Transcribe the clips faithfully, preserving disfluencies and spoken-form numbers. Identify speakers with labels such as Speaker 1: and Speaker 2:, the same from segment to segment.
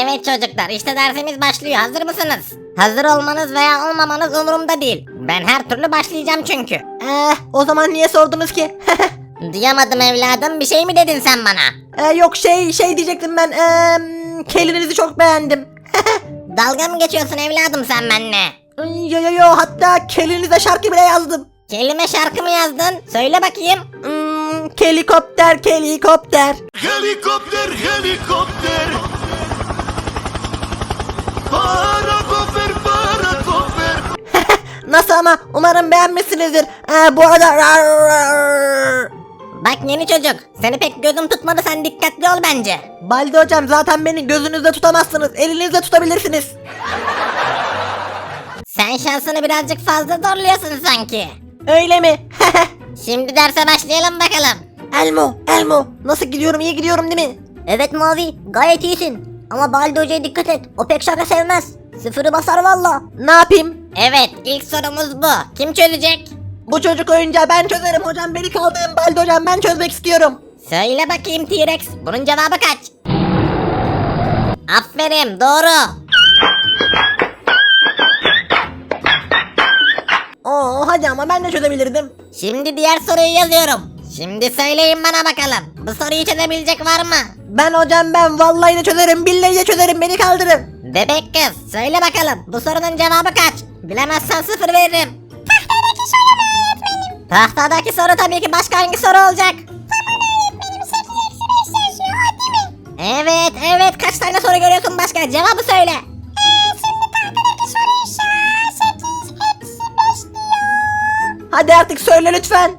Speaker 1: Evet çocuklar, işte dersimiz başlıyor. Hazır mısınız? Hazır olmanız veya olmamanız umurumda değil. Ben her türlü başlayacağım çünkü.
Speaker 2: Eh, o zaman niye sordunuz ki?
Speaker 1: Duyamadım evladım, bir şey mi dedin sen bana?
Speaker 2: Eh, yok şey şey diyecektim ben. Eee kelinizi çok beğendim.
Speaker 1: Dalga mı geçiyorsun evladım sen benimle?
Speaker 2: Yo yo yo, hatta kelinize şarkı bile yazdım.
Speaker 1: Kelime şarkı mı yazdın? Söyle bakayım.
Speaker 2: Hmm, kelikopter kelikopter.
Speaker 3: Helikopter, helikopter. Parakoper, parakoper.
Speaker 2: Nasıl ama, umarım beğenmişsinizdir. Ee, bu arada
Speaker 1: Bak yeni çocuk, seni pek gözüm tutmadı, sen dikkatli ol bence.
Speaker 2: Baldi hocam, zaten beni gözünüzde tutamazsınız, elinizde tutabilirsiniz.
Speaker 1: Sen şansını birazcık fazla zorluyorsun sanki.
Speaker 2: Öyle mi?
Speaker 1: Şimdi derse başlayalım bakalım.
Speaker 2: Elmo Elmo, nasıl gidiyorum, iyi gidiyorum değil mi?
Speaker 4: Evet Mavi, gayet iyisin. Ama Baldi Hoca'ya dikkat et, o pek şaka sevmez. Sıfırı basar valla.
Speaker 2: Ne yapayım?
Speaker 1: Evet, ilk sorumuz bu. Kim çözecek?
Speaker 2: Bu çocuk oyuncağı ben çözerim hocam, beni kaldırın. Baldi hocam, ben çözmek istiyorum.
Speaker 1: Söyle bakayım T-Rex, bunun cevabı kaç? Aferin, doğru.
Speaker 2: Oo, hadi ama ben de çözebilirdim.
Speaker 1: Şimdi diğer soruyu yazıyorum. Şimdi söyleyin bana bakalım. Bu soruyu çözebilecek var mı?
Speaker 2: Ben hocam, ben vallahi de çözerim, billahi de çözerim, beni kaldırın.
Speaker 1: Bebek kız, söyle bakalım. Bu sorunun cevabı kaç? Bilemezsen sıfır veririm. Tahtadaki soru mu öğretmenim? Tahtadaki soru tabii ki, başka hangi soru olacak? Evet, evet. Kaç tane soru görüyorsun başka? Cevabı söyle.
Speaker 2: Hadi artık söyle lütfen.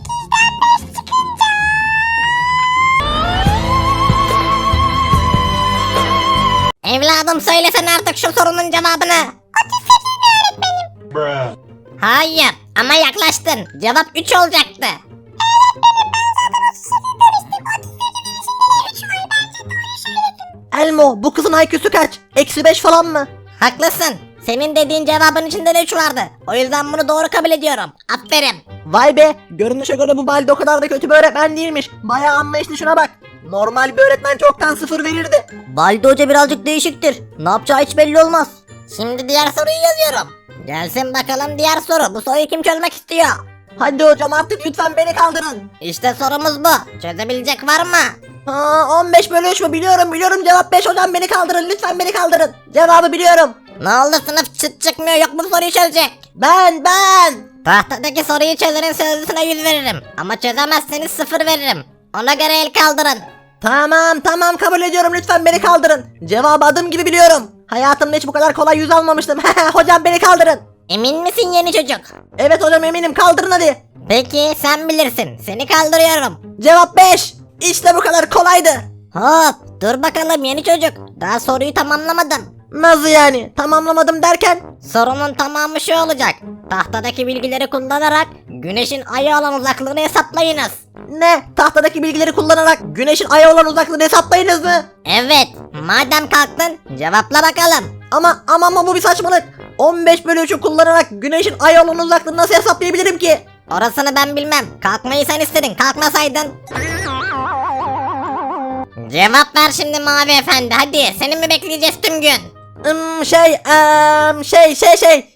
Speaker 1: Evladım söylesene artık şu sorunun cevabını.
Speaker 3: Bruh.
Speaker 1: Hayır ama yaklaştın. Cevap üç olacaktı.
Speaker 2: Elmo, bu kızın I Q'su kaç? Eksi beş falan mı?
Speaker 1: Haklısın. Senin dediğin cevabın içinde de üç vardı. O yüzden bunu doğru kabul ediyorum. Aferin.
Speaker 2: Vay be, görünüşe göre bu Baldi o kadar da kötü bir öğretmen değilmiş. Bayağı anlayışlı, şuna bak. Normal bir öğretmen çoktan sıfır verirdi.
Speaker 4: Baldi Hoca birazcık değişiktir. Ne yapacağı hiç belli olmaz.
Speaker 1: Şimdi diğer soruyu yazıyorum. Gelsin bakalım diğer soru. Bu soruyu kim çözmek istiyor?
Speaker 2: Hadi hocam, artık lütfen beni kaldırın.
Speaker 1: İşte sorumuz bu. Çözebilecek var mı?
Speaker 2: Ha, on beş bölü üç mü? Biliyorum biliyorum, cevap beş hocam, beni kaldırın lütfen, beni kaldırın. Cevabı biliyorum.
Speaker 1: Ne oldu, sınıf çıt çıkmıyor, yok mu soruyu çözecek?
Speaker 2: Ben ben.
Speaker 1: Tahtadaki soruyu çözenin sözlüsüne yüz veririm. Ama çözemezseniz sıfır veririm. Ona göre el kaldırın.
Speaker 2: Tamam tamam, kabul ediyorum, lütfen beni kaldırın. Cevabı adım gibi biliyorum. Hayatımda hiç bu kadar kolay yüz almamıştım. Hocam beni kaldırın.
Speaker 1: Emin misin yeni çocuk?
Speaker 2: Evet hocam, eminim, kaldırın hadi.
Speaker 1: Peki sen bilirsin. Seni kaldırıyorum.
Speaker 2: Cevap beş. İşte bu kadar kolaydı.
Speaker 1: Hop dur bakalım yeni çocuk. Daha soruyu tamamlamadım.
Speaker 2: Nasıl yani? Tamamlamadım derken?
Speaker 1: Sorunun tamamı şu olacak. Tahtadaki bilgileri kullanarak güneşin aya olan uzaklığını hesaplayınız.
Speaker 2: Ne? Tahtadaki bilgileri kullanarak güneşin aya olan uzaklığını hesaplayınız mı?
Speaker 1: Evet. Madem kalktın cevapla bakalım.
Speaker 2: Ama ama ama bu bir saçmalık. on beş bölü üçü kullanarak güneşin aya olan uzaklığını nasıl hesaplayabilirim ki?
Speaker 1: Orasını ben bilmem. Kalkmayı sen istedin. Kalkmasaydın. Cevap ver şimdi Mavi Efendi. Hadi. Seni mi bekleyeceğiz tüm gün?
Speaker 2: Hmm, şey, eee, şey, şey, şey.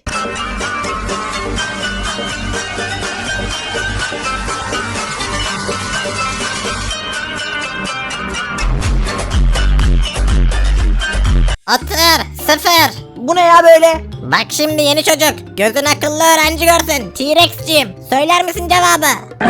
Speaker 1: Otur. Sıfır.
Speaker 2: Bu ne ya böyle?
Speaker 1: Bak şimdi yeni çocuk. Gözün akıllı öğrenci görsün. T-Rex'ciğim. Söyler misin cevabı?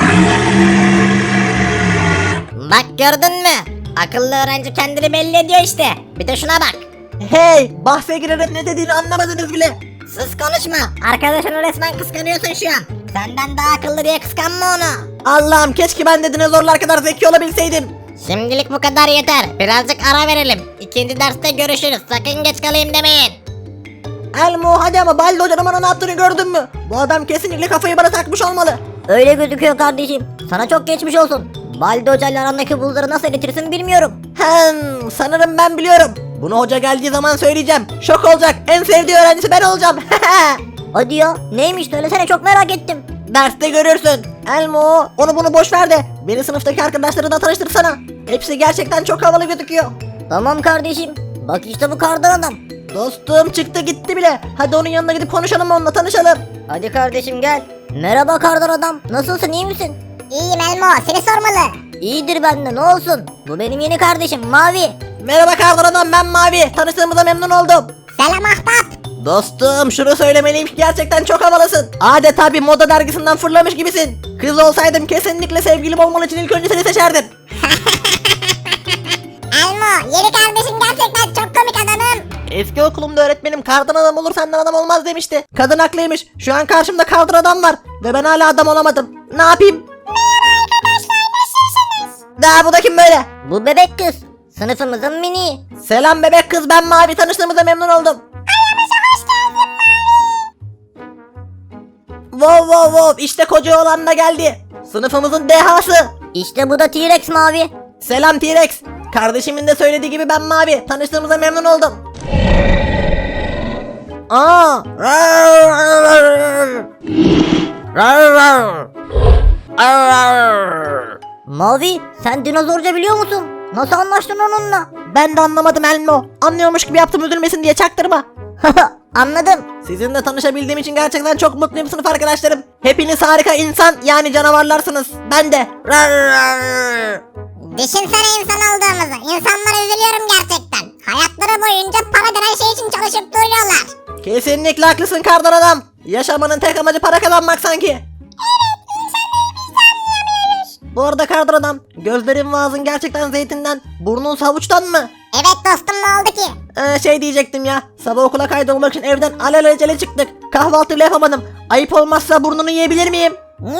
Speaker 1: Bak gördün mü? Akıllı öğrenci kendini belli ediyor işte. Bir de şuna bak.
Speaker 2: Hey, bahse girerek ne dediğini anlamadınız bile.
Speaker 1: Sus konuşma. Arkadaşını resmen kıskanıyorsun şu an. Senden daha akıllı diye kıskanma onu.
Speaker 2: Allah'ım, keşke ben de dinozorlar kadar zeki olabilseydim.
Speaker 1: Şimdilik bu kadar yeter. Birazcık ara verelim. İkinci derste görüşürüz. Sakın geç kalayım demeyin.
Speaker 2: Elmo, hadi ama Baldi hocanın bana ne yaptığını gördün mü? Bu adam kesinlikle kafayı bana takmış olmalı.
Speaker 4: Öyle gözüküyor kardeşim. Sana çok geçmiş olsun. Baldi Hoca ile arandaki buzları nasıl eritirsin bilmiyorum.
Speaker 2: Hem sanırım ben biliyorum. Bunu hoca geldiği zaman söyleyeceğim. Şok olacak. En sevdiği öğrencisi ben olacağım.
Speaker 4: Hadi ya, neymiş söylesene, çok merak ettim.
Speaker 2: Derste görürsün. Elmo, onu bunu boş ver de beni sınıftaki arkadaşlarına tanıştırsana. Hepsi gerçekten çok havalı gözüküyor.
Speaker 4: Tamam kardeşim. Bak işte bu kardan adam.
Speaker 2: Dostum çıktı gitti bile. Hadi onun yanına gidip konuşalım, onunla tanışalım.
Speaker 4: Hadi kardeşim gel. Merhaba kardan adam. Nasılsın, iyi misin?
Speaker 1: İyiyim Elmo, seni sormalı.
Speaker 4: İyidir bende, ne olsun. Bu benim yeni kardeşim Mavi.
Speaker 2: Merhaba kardan adam, ben Mavi. Tanıştığımıza memnun oldum.
Speaker 1: Selam ahbap.
Speaker 2: Dostum şunu söylemeliyim ki gerçekten çok havalısın. Adeta bir moda dergisinden fırlamış gibisin. Kız olsaydım kesinlikle sevgilim olman için ilk önce seni seçerdim.
Speaker 1: Elmo, yeni kardeşin gerçekten çok komik adamım.
Speaker 2: Eski okulumda öğretmenim kardan adam olur senden adam olmaz demişti. Kadın haklıymış. Şu an karşımda kardan adam var. Ve ben hala adam olamadım. Ne yapayım?
Speaker 1: Merhaba arkadaşlar, nasılsınız?
Speaker 2: Daha bu da kim böyle?
Speaker 4: Bu bebek kız. Sınıfımızın mini.
Speaker 2: Selam bebek kız, ben Mavi, tanıştığımıza memnun oldum.
Speaker 1: Aramıza hoş geldin Mavi.
Speaker 2: Wow wow wow, işte koca oğlan da geldi. Sınıfımızın dehası.
Speaker 4: İşte bu da T-Rex Mavi.
Speaker 2: Selam T-Rex. Kardeşimin de söylediği gibi ben Mavi. Tanıştığımıza memnun oldum. Aa.
Speaker 4: Mavi, sen dinozorca biliyor musun? Nasıl anlaştın onunla?
Speaker 2: Ben de anlamadım Elmo. Anlıyormuş gibi yaptım, üzülmesin diye, çaktırma.
Speaker 4: Anladım.
Speaker 2: Sizinle tanışabildiğim için gerçekten çok mutluyum sınıf arkadaşlarım. Hepiniz harika insan, yani canavarlarsınız. Ben de.
Speaker 1: Düşünsene insan olduğumuzu. İnsanlara üzülüyorum gerçekten. Hayatları boyunca para denen şey için çalışıp duruyorlar.
Speaker 2: Kesinlikle haklısın kardan adam. Yaşamanın tek amacı para kazanmak sanki. Bu arada kardan adam, gözlerin ve ağzın gerçekten zeytinden, burnun havuçtan mı?
Speaker 1: Evet dostum, ne oldu ki?
Speaker 2: Ee, şey diyecektim ya, sabah okula kaydolmak için evden alelacele çıktık. Kahvaltı bile yapamadım. Ayıp olmazsa burnunu yiyebilir miyim?
Speaker 1: Ne?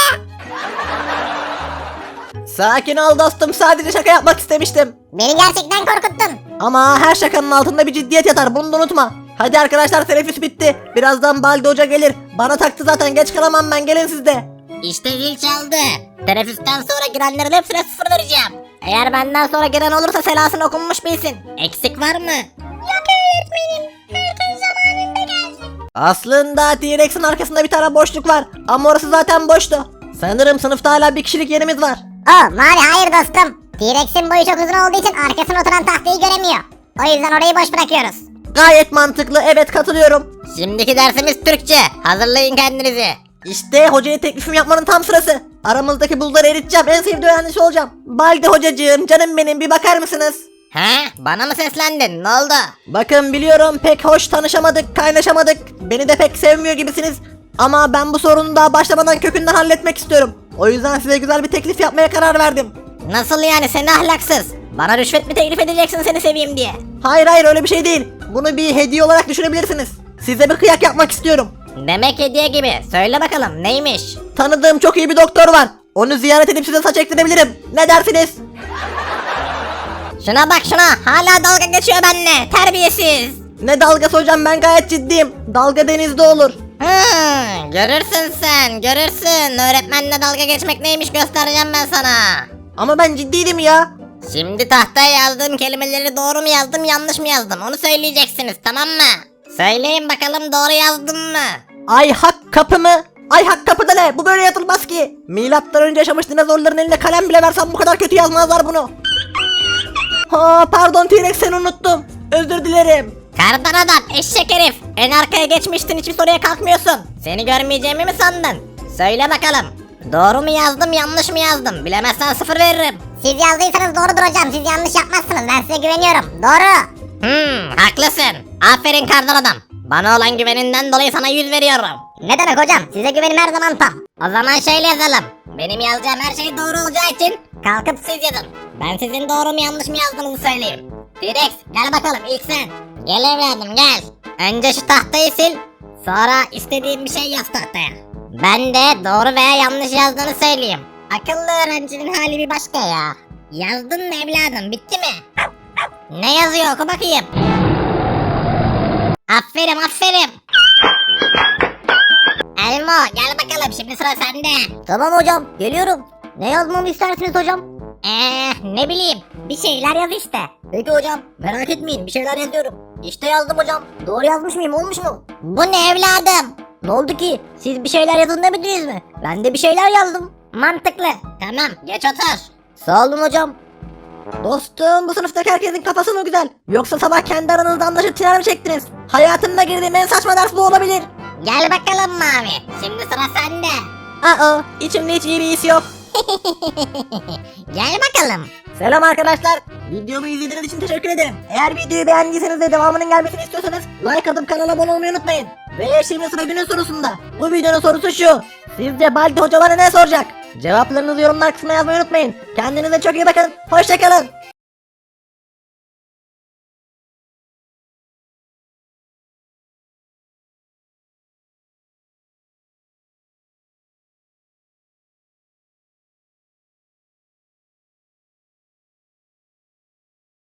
Speaker 2: Sakin ol dostum, sadece şaka yapmak istemiştim.
Speaker 1: Beni gerçekten korkuttun.
Speaker 2: Ama her şakanın altında bir ciddiyet yatar, bunu da unutma. Hadi arkadaşlar, teneffüs bitti. Birazdan Baldi Hoca gelir. Bana taktı zaten, geç kalamam ben, gelin siz de.
Speaker 4: İşte zil çaldı. Teneffüsten sonra girenlerin hepsine sıfır vereceğim. Eğer benden sonra giren olursa selasını okunmuş bilsin. Eksik var mı?
Speaker 1: Yok öğretmenim. Herkes zamanında gelsin.
Speaker 2: Aslında T-Rex'in arkasında bir tane boşluk var. Ama orası zaten boştu. Sanırım sınıfta hala bir kişilik yerimiz var.
Speaker 1: Oh Mavi, hayır dostum. T-Rex'in boyu çok uzun olduğu için arkasına oturan tahtayı göremiyor. O yüzden orayı boş bırakıyoruz.
Speaker 2: Gayet mantıklı, evet katılıyorum.
Speaker 4: Şimdiki dersimiz Türkçe. Hazırlayın kendinizi.
Speaker 2: İşte hocaya teklifim yapmanın tam sırası. Aramızdaki buzları eriteceğim, en sevdiği öğrenci olacağım. Baldi hocacığım, canım benim, bir bakar mısınız?
Speaker 4: He? Bana mı seslendin? Ne oldu?
Speaker 2: Bakın biliyorum pek hoş tanışamadık, kaynaşamadık. Beni de pek sevmiyor gibisiniz. Ama ben bu sorunu daha başlamadan kökünden halletmek istiyorum. O yüzden size güzel bir teklif yapmaya karar verdim.
Speaker 4: Nasıl yani, seni ahlaksız? Bana rüşvet mi teklif edeceksin seni seveyim diye?
Speaker 2: Hayır hayır, öyle bir şey değil. Bunu bir hediye olarak düşünebilirsiniz. Size bir kıyak yapmak istiyorum.
Speaker 4: Demek hediye gibi. Söyle bakalım neymiş?
Speaker 2: Tanıdığım çok iyi bir doktor var. Onu ziyaret edip size saç ektirebilirim. Ne dersiniz?
Speaker 4: Şuna bak şuna. Hala dalga geçiyor benimle. Terbiyesiz.
Speaker 2: Ne dalgası hocam, ben gayet ciddiyim. Dalga denizde olur.
Speaker 4: Hmm, görürsün sen. Görürsün. Öğretmenle dalga geçmek neymiş göstereceğim ben sana.
Speaker 2: Ama ben ciddiydim ya.
Speaker 4: Şimdi tahtaya yazdığım kelimeleri doğru mu yazdım yanlış mı yazdım onu söyleyeceksiniz, tamam mı? Söyleyin bakalım, doğru yazdım mı?
Speaker 2: Ay hak kapı mı? Ay hak kapıda ne? Bu böyle yazılmaz ki. Milattan önce yaşamış dinozorların eline kalem bile versem bu kadar kötü yazmazlar bunu. Ha pardon T-Rex, seni unuttum. Özür dilerim.
Speaker 4: Kardan adam, eşek herif. En arkaya geçmiştin, hiçbir soruya kalkmıyorsun. Seni görmeyeceğimi mi sandın? Söyle bakalım. Doğru mu yazdım yanlış mı yazdım? Bilemezsen sıfır veririm.
Speaker 1: Siz yazdıysanız doğrudur hocam. Siz yanlış yapmazsınız. Ben size güveniyorum. Doğru.
Speaker 4: Hmm, haklısın. Aferin kardan adam. Bana olan güveninden dolayı sana yüz veriyorum.
Speaker 1: Ne demek hocam? Size güvenim her zaman tam.
Speaker 4: O zaman şöyle yazalım. Benim yazacağım her şey doğru olacağı için kalkıp siz yazın. Ben sizin doğru mu yanlış mı yazdığınızı söyleyeyim. T-Rex gel bakalım, ilk sen. Gel evladım gel. Önce şu tahtayı sil. Sonra istediğin bir şey yaz tahtaya. Ben de doğru veya yanlış yazdığını söyleyeyim. Akıllı öğrencinin hali bir başka ya. Yazdın mı evladım, bitti mi? Ne yazıyor, oku bakayım. Aferin aferin. Elmo gel bakalım, şimdi sıra sende.
Speaker 1: Tamam hocam, geliyorum. Ne yazmamı istersiniz hocam?
Speaker 4: Eee ne bileyim, bir şeyler yaz işte.
Speaker 1: Peki hocam, merak etmeyin, bir şeyler yazıyorum. İşte yazdım hocam. Doğru yazmış mıyım, olmuş mu?
Speaker 4: Bu ne evladım?
Speaker 1: Ne oldu ki? Siz bir şeyler yazın demediniz mi? Ben de bir şeyler yazdım.
Speaker 4: Mantıklı. Tamam, geç otur.
Speaker 1: Sağ olun hocam.
Speaker 2: Dostum bu sınıftaki herkesin kafası mı güzel? Yoksa sabah kendi aranızda anlaşıp tiner mi çektiniz? Hayatımda girdiğim en saçma ders bu olabilir.
Speaker 4: Gel bakalım Mavi. Şimdi sıra sende.
Speaker 2: Aa, içimde hiç iyi bir his yok.
Speaker 4: Gel bakalım.
Speaker 2: Selam arkadaşlar. Videomu izlediğiniz için teşekkür ederim. Eğer videoyu beğendiyseniz ve devamının gelmesini istiyorsanız like atıp kanala abone olmayı unutmayın. Ve şimdi sıra günün sorusunda. Bu videonun sorusu şu. Sizce Baldi Hoca bana ne soracak? Cevaplarınızı yorumlar kısmına yazmayı unutmayın. Kendinize çok iyi bakın. Hoşçakalın.